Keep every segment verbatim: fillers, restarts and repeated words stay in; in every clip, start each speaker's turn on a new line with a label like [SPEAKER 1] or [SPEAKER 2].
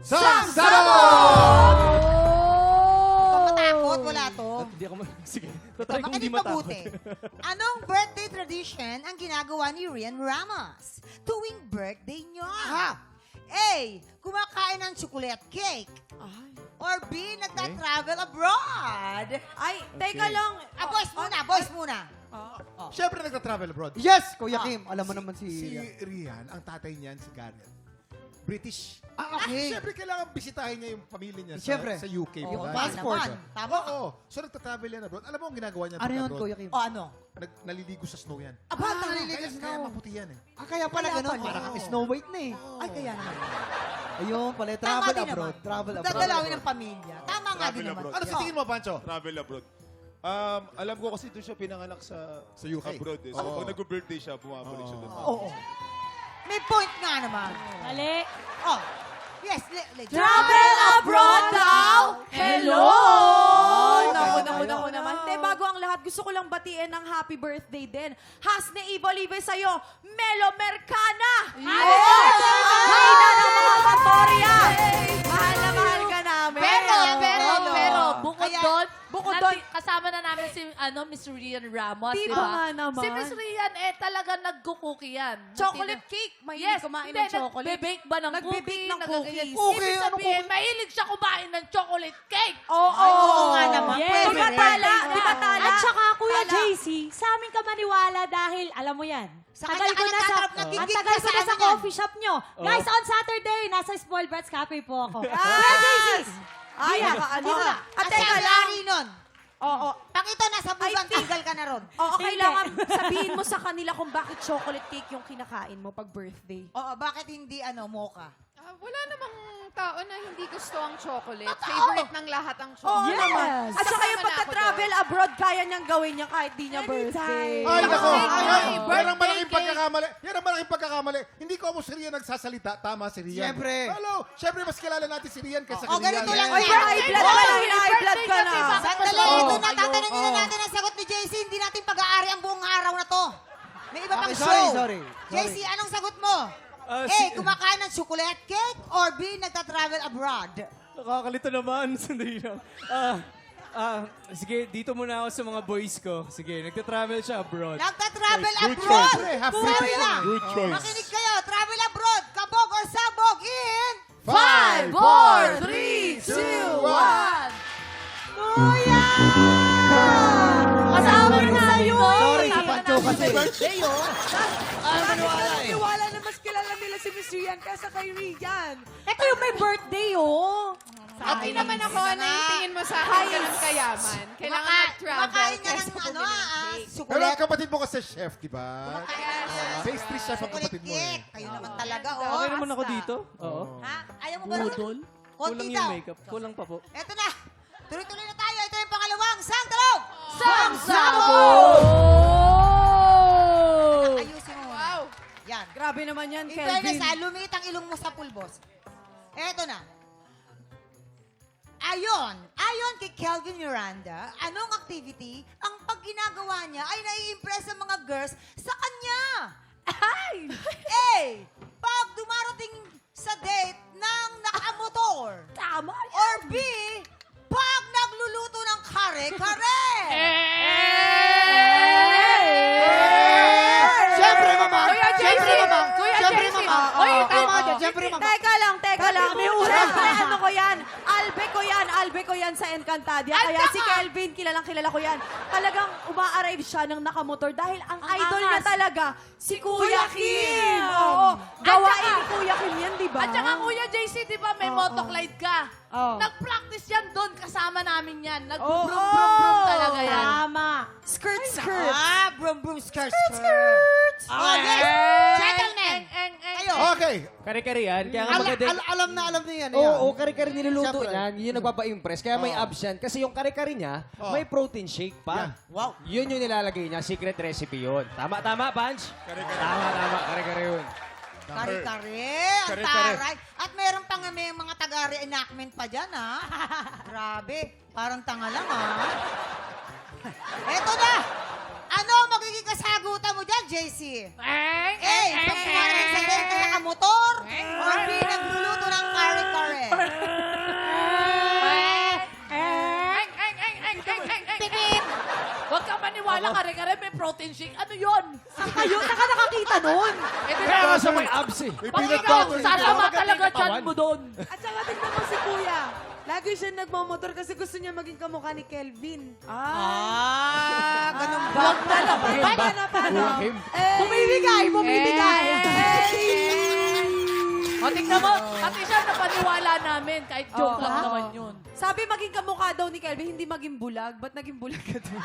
[SPEAKER 1] Samsabog!
[SPEAKER 2] Ito matakot, wala to.
[SPEAKER 3] Hindi ako ma- Sige,
[SPEAKER 2] Ito,
[SPEAKER 3] tatry kong hindi
[SPEAKER 2] makinig
[SPEAKER 3] matakot.
[SPEAKER 2] mabuti. Anong birthday tradition ang ginagawa ni Rian Ramos tuwing birthday niyo? A. Kumakain ng chocolate cake. Or B. Nagta-travel abroad.
[SPEAKER 4] Ay, teka lang.
[SPEAKER 2] Ah, boys muna, boys muna.
[SPEAKER 1] Siyempre nagta-travel abroad.
[SPEAKER 5] Yes, Kuya Kim. Alam mo naman si...
[SPEAKER 1] Si Rian, ang tatay niyan, si Gareth. British.
[SPEAKER 5] Ah, okay.
[SPEAKER 1] Siyempre, kailangan bisitahin niya yung pamilya niya sa,
[SPEAKER 5] Siyempre.
[SPEAKER 1] sa U K.
[SPEAKER 2] Oh,
[SPEAKER 1] diba?
[SPEAKER 2] passport.
[SPEAKER 1] Passport.
[SPEAKER 2] Tama.
[SPEAKER 1] Oo. So, nagta-travel yan abroad. Alam mo ang ginagawa niya
[SPEAKER 5] Ano yun,
[SPEAKER 1] abroad?
[SPEAKER 5] Kuya Kim?
[SPEAKER 2] O ano?
[SPEAKER 1] Nag, naliligo sa snow yan.
[SPEAKER 2] Aba,
[SPEAKER 5] Ah,
[SPEAKER 2] tama.
[SPEAKER 5] naliligo
[SPEAKER 1] Kaya,
[SPEAKER 5] sa
[SPEAKER 1] kaya
[SPEAKER 5] snow.
[SPEAKER 1] maputi yan eh.
[SPEAKER 5] Ah, kaya pala
[SPEAKER 2] Kaya
[SPEAKER 5] ganun.
[SPEAKER 2] pala.
[SPEAKER 5] Para kang Snow White na eh.
[SPEAKER 2] Ay, kaya naman.
[SPEAKER 5] Ayun pala.
[SPEAKER 2] Tama
[SPEAKER 5] Travel
[SPEAKER 2] din
[SPEAKER 5] abroad.
[SPEAKER 2] naman.
[SPEAKER 5] Travel abroad.
[SPEAKER 2] Dadalawin ng pamilya. Tama nga
[SPEAKER 6] Travel
[SPEAKER 2] din naman.
[SPEAKER 6] abroad.
[SPEAKER 1] Ano sa tingin mo, Pancho?
[SPEAKER 6] Travel abroad. Um, alam ko kasi doon siya pinanganak sa,
[SPEAKER 1] Sa U K.
[SPEAKER 6] abroad eh. So,
[SPEAKER 1] Oo.
[SPEAKER 6] pag nag-birthday siya, bumabalik siya doon.
[SPEAKER 2] Oo. May point nga naman.
[SPEAKER 7] Mali.
[SPEAKER 2] Oh. Yes, le, le,
[SPEAKER 4] Travel abroad daw! Hello!
[SPEAKER 5] Oh,
[SPEAKER 4] Naku,
[SPEAKER 5] kaya
[SPEAKER 4] naku,
[SPEAKER 5] tayo.
[SPEAKER 4] naku naman. Te, bago ang lahat, gusto ko lang batiin ng happy birthday din. Hasne Ivo Live sa'yo, Melo Mercana! Oo! Hayna ng mga Katoria! Mahal na mahal ka namin.
[SPEAKER 7] Pero, pero,
[SPEAKER 2] Hello.
[SPEAKER 7] pero, bukod
[SPEAKER 2] Kaya-
[SPEAKER 7] doon,
[SPEAKER 4] bukod
[SPEAKER 7] nati-
[SPEAKER 4] doon-
[SPEAKER 7] kasama na namin si ano, Miss Rian Ramos,
[SPEAKER 4] Di
[SPEAKER 7] di
[SPEAKER 4] ba
[SPEAKER 7] ba?
[SPEAKER 4] nga naman?
[SPEAKER 7] Si Miss Rian, eh, talaga nagkukuki yan.
[SPEAKER 4] Chocolate cake. Mahilig
[SPEAKER 7] Yes,
[SPEAKER 4] kumain
[SPEAKER 7] hindi,
[SPEAKER 4] ng chocolate.
[SPEAKER 7] Nagbe-bake ba ng
[SPEAKER 4] Nagbe-bake
[SPEAKER 7] cookie?
[SPEAKER 4] ng
[SPEAKER 7] nagaganyan.
[SPEAKER 4] cookies.
[SPEAKER 5] Cookie,
[SPEAKER 7] Ibig
[SPEAKER 5] ano
[SPEAKER 7] sabihin, mahilig siya kumain ng chocolate cake.
[SPEAKER 4] Oo,
[SPEAKER 2] Ay, oo nga naman.
[SPEAKER 7] Yes.
[SPEAKER 2] Pwede
[SPEAKER 4] Di ba
[SPEAKER 2] rin.
[SPEAKER 4] tala? Di ba tala?
[SPEAKER 8] At saka, Kuya
[SPEAKER 4] Tala.
[SPEAKER 8] J C, sa amin ka maniwala dahil, alam mo yan,
[SPEAKER 2] Sa
[SPEAKER 8] tagal
[SPEAKER 2] kanya
[SPEAKER 8] ko
[SPEAKER 2] ka
[SPEAKER 8] na sa,
[SPEAKER 2] nagtatrap na
[SPEAKER 8] ang
[SPEAKER 2] gigit
[SPEAKER 8] tagal
[SPEAKER 2] ka
[SPEAKER 8] ko
[SPEAKER 2] sa
[SPEAKER 8] na sa
[SPEAKER 2] ano yan.
[SPEAKER 8] coffee shop nyo. Guys, on Saturday, nasa Spoiled Brats Cafe po ako. Kuya J C,
[SPEAKER 4] Ay,
[SPEAKER 8] Dina,
[SPEAKER 4] nakaano.
[SPEAKER 8] dina.
[SPEAKER 4] At
[SPEAKER 2] At
[SPEAKER 4] teka
[SPEAKER 2] ang
[SPEAKER 4] lang.
[SPEAKER 2] lari nun.
[SPEAKER 4] Oo.
[SPEAKER 2] Pag ito nasa busan,
[SPEAKER 4] I think-
[SPEAKER 2] tanggal ka na ron.
[SPEAKER 4] Oo, kailangan sabihin mo sa kanila kung bakit chocolate cake yung kinakain mo pag birthday.
[SPEAKER 2] Oo, bakit hindi ano, mocha?
[SPEAKER 9] Ah, wala namang tao na hindi gusto ang chocolate.
[SPEAKER 2] Totoo.
[SPEAKER 9] Favorite ng lahat ang
[SPEAKER 4] Oo
[SPEAKER 9] chocolate.
[SPEAKER 4] naman. At saka
[SPEAKER 9] Kasama
[SPEAKER 4] yung
[SPEAKER 9] na ako
[SPEAKER 4] pagka-travel abroad, kaya niyang gawin niya kahit di niya
[SPEAKER 8] Anytime.
[SPEAKER 4] birthday.
[SPEAKER 1] Ay, nako.
[SPEAKER 9] Ay,
[SPEAKER 1] Yan,
[SPEAKER 9] ay,
[SPEAKER 1] yan ang
[SPEAKER 9] birthday
[SPEAKER 1] malaking
[SPEAKER 9] cake.
[SPEAKER 1] pagkakamali. Yan ang malaking pagkakamali. Hindi ko mo si Rian nagsasalita. Tama si Rian.
[SPEAKER 5] Siyempre.
[SPEAKER 1] Hello. Siyempre, mas kilala natin si Rian kaysa
[SPEAKER 2] Oh,
[SPEAKER 1] kay
[SPEAKER 2] ganito
[SPEAKER 1] Rian.
[SPEAKER 2] lang
[SPEAKER 4] Ay,
[SPEAKER 2] yan.
[SPEAKER 4] high blood ka na, high blood ka na.
[SPEAKER 2] Sandali,
[SPEAKER 1] Oo.
[SPEAKER 2] ito na, tatanungin na
[SPEAKER 5] Oo.
[SPEAKER 2] natin ang sagot ni J C. Hindi natin pag-aari ang buong araw na to. May iba pang
[SPEAKER 5] Okay,
[SPEAKER 2] show.
[SPEAKER 5] sorry, sorry.
[SPEAKER 2] J C, anong sagot mo?
[SPEAKER 3] Ah,
[SPEAKER 2] A,
[SPEAKER 3] si-
[SPEAKER 2] kumakain ng chocolate cake or B, nagta-travel abroad?
[SPEAKER 3] Nakakalito naman. Sandali lang. Ah, ah, sige, dito muna ako sa mga boys ko. Sige, nagta-travel siya abroad.
[SPEAKER 2] Nagta-travel
[SPEAKER 6] Good
[SPEAKER 2] abroad!
[SPEAKER 1] choice. Half
[SPEAKER 2] Sabi
[SPEAKER 1] British
[SPEAKER 2] na,
[SPEAKER 1] yan.
[SPEAKER 6] Good choice.
[SPEAKER 2] makinig kayo, travel abroad, kabog or sabog in...
[SPEAKER 1] Five,
[SPEAKER 4] four, three, two, one.
[SPEAKER 2] Kuya!
[SPEAKER 8] kasama na namin ko.
[SPEAKER 5] Sorry,
[SPEAKER 8] Kasama na
[SPEAKER 5] Pancho
[SPEAKER 8] namin.
[SPEAKER 5] kasi.
[SPEAKER 4] Birthday, oh.
[SPEAKER 5] Ah, maniwala eh.
[SPEAKER 4] Niwala na mas kilala nila si Miss Rian kaysa kay Rian.
[SPEAKER 8] Ito yung may birthday, oh.
[SPEAKER 9] At di naman ako, ano yung tingin mo sa akin ka ng kayaman? Kailangan
[SPEAKER 2] Kumaka-
[SPEAKER 9] mag-travel.
[SPEAKER 2] Kumakain ka ng
[SPEAKER 9] kaysa
[SPEAKER 2] ano,
[SPEAKER 9] bumili ng
[SPEAKER 2] ah,
[SPEAKER 9] cake.
[SPEAKER 1] Pero ang
[SPEAKER 2] chocolate.
[SPEAKER 1] kapatid mo kasi chef, di ba?
[SPEAKER 2] Yes.
[SPEAKER 1] Pastry chef ang
[SPEAKER 2] Chocolate
[SPEAKER 1] kapatid mo eh.
[SPEAKER 2] cake. Kayo naman talaga, oh.
[SPEAKER 3] Okay naman ako dito. Oo.
[SPEAKER 2] Ha? Ayaw mo ba rin?
[SPEAKER 3] Budol.
[SPEAKER 2] Konti
[SPEAKER 3] Kulang
[SPEAKER 2] daw.
[SPEAKER 3] yung makeup. Kulang pa po.
[SPEAKER 2] Eto na. Tuloy-tuloy na tayo. Ito yung pangalawang sangtalog.
[SPEAKER 7] Samsabog!
[SPEAKER 2] Ayusin mo.
[SPEAKER 9] Wow.
[SPEAKER 2] Yan.
[SPEAKER 4] Grabe naman yan,
[SPEAKER 2] In fairness,
[SPEAKER 4] Kelvin.
[SPEAKER 2] ha, lumiit ang ilong mo sa pulbos. Eto na. Ayon, ayon kay Kelvin Miranda, anong activity ang pag ginagawa niya ay nai-impress ang mga girls sa kanya? Ay! A. Pag dumarating sa date ng nakamotor.
[SPEAKER 8] Tama.
[SPEAKER 2] Or B. Pag nagluluto ng kare-kare.
[SPEAKER 5] Siyempre, mama.
[SPEAKER 9] Kuya J C!
[SPEAKER 5] Siyempre, mama.
[SPEAKER 9] Kuya
[SPEAKER 5] Siyempre,
[SPEAKER 9] J C!
[SPEAKER 5] mama.
[SPEAKER 9] Uy,
[SPEAKER 5] Oo,
[SPEAKER 9] tama
[SPEAKER 5] oo,
[SPEAKER 9] ka.
[SPEAKER 5] Siyempre, mama.
[SPEAKER 4] Teka lang, teka lang.
[SPEAKER 5] May
[SPEAKER 4] Siyempre, ano ko yan? Albe ko yan, albe ko yan sa Encantadia.
[SPEAKER 9] At
[SPEAKER 4] Kaya
[SPEAKER 9] saka-
[SPEAKER 4] si Kelvin, kilalang kilala ko yan. Talagang uma-arrive siya ng nakamotor dahil ang idol niya
[SPEAKER 7] angas.
[SPEAKER 4] talaga, si Kuya
[SPEAKER 7] Kuya
[SPEAKER 4] Kim.
[SPEAKER 7] Kim.
[SPEAKER 4] Oo.
[SPEAKER 7] At
[SPEAKER 4] Gawain
[SPEAKER 7] saka-
[SPEAKER 4] ni Kuya Kim yan, di ba?
[SPEAKER 7] At saka Kuya J C, di ba may
[SPEAKER 4] Oo.
[SPEAKER 7] motoglide ka?
[SPEAKER 4] Oo.
[SPEAKER 7] Nag-practice yan doon, kasama namin yan.
[SPEAKER 4] Oo.
[SPEAKER 7] Nag-brum-brum-brum talaga yan.
[SPEAKER 8] Tama.
[SPEAKER 4] Skirt, skirt.
[SPEAKER 2] Ah, brum brum skirt skirt. Oh, yes. Gentlemen.
[SPEAKER 7] Eng, eng, eng.
[SPEAKER 2] Kayo.
[SPEAKER 1] Okay.
[SPEAKER 3] Kare-kare yan. Kaya nga
[SPEAKER 5] Al-
[SPEAKER 3] maganda.
[SPEAKER 5] al- alam na alam niya yan.
[SPEAKER 10] Oo,
[SPEAKER 5] yan.
[SPEAKER 10] oh, kare-kare niluluto
[SPEAKER 5] Siyempre.
[SPEAKER 10] niyan. Yun yung nagpapa-impress. Kaya may
[SPEAKER 1] Oo.
[SPEAKER 10] abs yan. Kasi yung kare-kare niya,
[SPEAKER 1] Oo.
[SPEAKER 10] may protein shake pa.
[SPEAKER 2] Wow.
[SPEAKER 10] Yun yung nilalagay niya. Secret recipe yun. Tama, tama, Punch? Tama, tama. Kare-kare yun.
[SPEAKER 2] Kare-kare. Ang
[SPEAKER 6] Kare-kare.
[SPEAKER 2] taray. At meron pa nga may mga taga-reenactment pa dyan, ha? Grabe. Parang tanga lang, ha? Eto na. Ano ang magiging kasagutan mo dyan, J C?
[SPEAKER 7] Eng,
[SPEAKER 2] A.
[SPEAKER 7] eng,
[SPEAKER 2] Pag
[SPEAKER 7] eng,
[SPEAKER 2] kumarating sa date na nakamotor. Or B. Nagluluto ng kare-kare.
[SPEAKER 7] naniwala ka rin, ka rin, may protein shake. Ano yun?
[SPEAKER 4] Saan kayo? Saan ka nakakita nun?
[SPEAKER 7] Eh, di
[SPEAKER 10] Kaya
[SPEAKER 7] ba?
[SPEAKER 10] nga siya may abs eh.
[SPEAKER 1] May
[SPEAKER 7] Pag
[SPEAKER 1] peanut
[SPEAKER 7] ikaw,
[SPEAKER 1] butter.
[SPEAKER 7] sasama
[SPEAKER 10] Ikaw
[SPEAKER 7] talaga
[SPEAKER 10] magating
[SPEAKER 7] dyan
[SPEAKER 10] katawan.
[SPEAKER 7] mo doon.
[SPEAKER 4] At saka tignan mo si Kuya. Lagi siya nagmamotor kasi gusto niya maging kamukha ni Kelvin.
[SPEAKER 2] Ah, ganun ba?
[SPEAKER 4] Wag na lang. Paano na, paano?
[SPEAKER 10] Him.
[SPEAKER 4] Bumibigay, bumibigay.
[SPEAKER 7] O, tingnan mo, pati siya napaniwala namin. Kahit joke
[SPEAKER 4] Oo.
[SPEAKER 7] lang naman yun.
[SPEAKER 4] Sabi maging kamukha daw ni Kelvin, hindi maging bulag. Ba't naging bulag ka doon?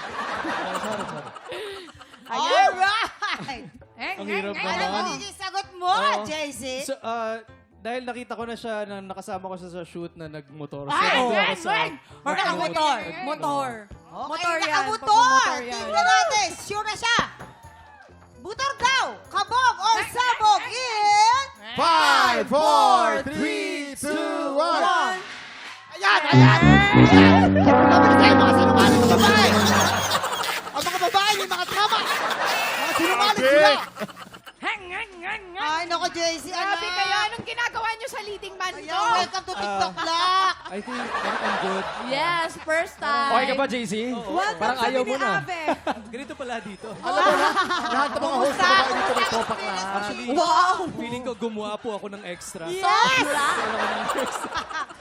[SPEAKER 2] Alright!
[SPEAKER 3] Ang hirap
[SPEAKER 2] Ano
[SPEAKER 3] naman.
[SPEAKER 2] magiging sagot mo,
[SPEAKER 3] Oo.
[SPEAKER 2] J C?
[SPEAKER 3] So, ah, dahil nakita ko na siya, na nakasama ko siya sa shoot na nagmotor. So,
[SPEAKER 7] Ay,
[SPEAKER 3] dito
[SPEAKER 7] wait,
[SPEAKER 3] ako sa-
[SPEAKER 7] wait!
[SPEAKER 2] Or nakamotor?
[SPEAKER 4] Motor.
[SPEAKER 2] Okay,
[SPEAKER 4] Motor yan.
[SPEAKER 2] nakamotor!
[SPEAKER 4] Pagmamotor yan.
[SPEAKER 2] Tingnan natin, sure na siya. Motor daw, kabog or sabog in...
[SPEAKER 1] Five, four, three, two, one.
[SPEAKER 5] Ayan, ayan! Ayan! Sabi ko sa'yo, mga sinungaling na babae! Ang mga babae, may mga tama! Mga sinungaling sila!
[SPEAKER 2] Ay, nako, J C, ano?
[SPEAKER 9] Grabe kayo, anong ginagawa niyo sa leading man
[SPEAKER 2] Ayan,
[SPEAKER 9] ko?
[SPEAKER 2] welcome to TikTok Lock.
[SPEAKER 3] I think I'm, I'm good.
[SPEAKER 7] Yes, first time.
[SPEAKER 10] Okay ka ba, J C?
[SPEAKER 4] Welcome
[SPEAKER 10] Parang
[SPEAKER 4] sa
[SPEAKER 10] ayaw mo na.
[SPEAKER 4] Ave.
[SPEAKER 3] Ganito pala dito.
[SPEAKER 1] Alam mo na, lahat ng mga host na babae dito may topak lahat.
[SPEAKER 3] Actually, feeling ko gumawa po ako ng extra.
[SPEAKER 2] Yes!
[SPEAKER 3] Ako ng extra.